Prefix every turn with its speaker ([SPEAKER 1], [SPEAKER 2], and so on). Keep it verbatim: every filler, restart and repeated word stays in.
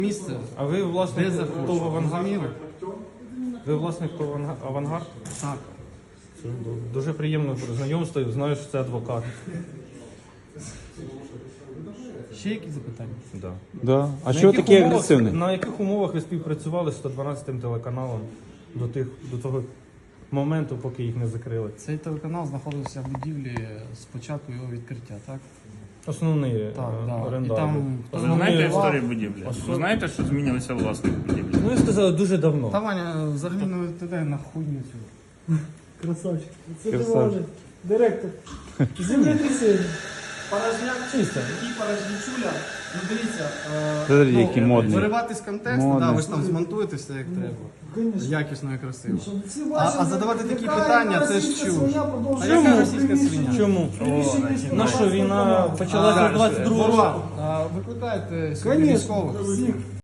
[SPEAKER 1] Місце.
[SPEAKER 2] А ви власник
[SPEAKER 1] Де захочу.
[SPEAKER 2] ТОВ «Авангард»?
[SPEAKER 1] Розуміли?
[SPEAKER 2] Ви власник ТОВ «Авангард»?
[SPEAKER 1] Так.
[SPEAKER 2] Це дуже приємно знайомство, знаю, що це адвокат.
[SPEAKER 1] Ще якісь запитання?
[SPEAKER 2] Да.
[SPEAKER 3] Да. А
[SPEAKER 2] На
[SPEAKER 3] що
[SPEAKER 2] яких
[SPEAKER 3] таке
[SPEAKER 2] умовах-
[SPEAKER 3] агресивний?
[SPEAKER 2] На яких умовах ви співпрацювали з сто дванадцятим телеканалом до, тих, до того моменту, поки їх не закрили?
[SPEAKER 1] Цей телеканал знаходився в будівлі з початку його відкриття, так?
[SPEAKER 2] Основний
[SPEAKER 1] Так,
[SPEAKER 2] е,
[SPEAKER 1] да.
[SPEAKER 2] орендар.
[SPEAKER 1] І там-
[SPEAKER 2] був.
[SPEAKER 1] Ви
[SPEAKER 4] Ви
[SPEAKER 2] Основний-
[SPEAKER 4] знаєте
[SPEAKER 1] Основний-
[SPEAKER 4] історію будівлі? Ви знаєте, що змінилися власник будівлі?
[SPEAKER 2] Ну, ви сказали, дуже давно.
[SPEAKER 1] Та Ваня взагалі не відповідає на хуйню цю.
[SPEAKER 5] Красавчик. Це
[SPEAKER 3] Красавчик.
[SPEAKER 5] Тимофій, директор. Землетрясіння.
[SPEAKER 1] Порожняк чисто. Який порожнячуля? Ну дивіться, е,
[SPEAKER 3] Смотри, які модні.
[SPEAKER 1] виривати з контексту,
[SPEAKER 3] Модні.
[SPEAKER 1] да, ви ж там змонтуєте все як треба.
[SPEAKER 5] Конечно.
[SPEAKER 1] Якісно і красиво.
[SPEAKER 5] Всі
[SPEAKER 1] А,
[SPEAKER 5] бачать,
[SPEAKER 1] а задавати такі
[SPEAKER 5] яка
[SPEAKER 1] питання, це ж
[SPEAKER 5] російська
[SPEAKER 1] чуж.
[SPEAKER 5] свиня
[SPEAKER 1] А
[SPEAKER 5] продовжує
[SPEAKER 1] яка
[SPEAKER 5] жити
[SPEAKER 1] російська
[SPEAKER 5] в приміщенні.
[SPEAKER 1] свиня?
[SPEAKER 2] Чому?
[SPEAKER 5] Приміщенні існує
[SPEAKER 2] На що,
[SPEAKER 5] власний
[SPEAKER 2] війна
[SPEAKER 5] канал.
[SPEAKER 2] почалася
[SPEAKER 4] А,
[SPEAKER 2] двадцять другого
[SPEAKER 1] Ворва, а, викликайте сюди
[SPEAKER 5] Конечно,
[SPEAKER 1] військових.
[SPEAKER 5] всіх.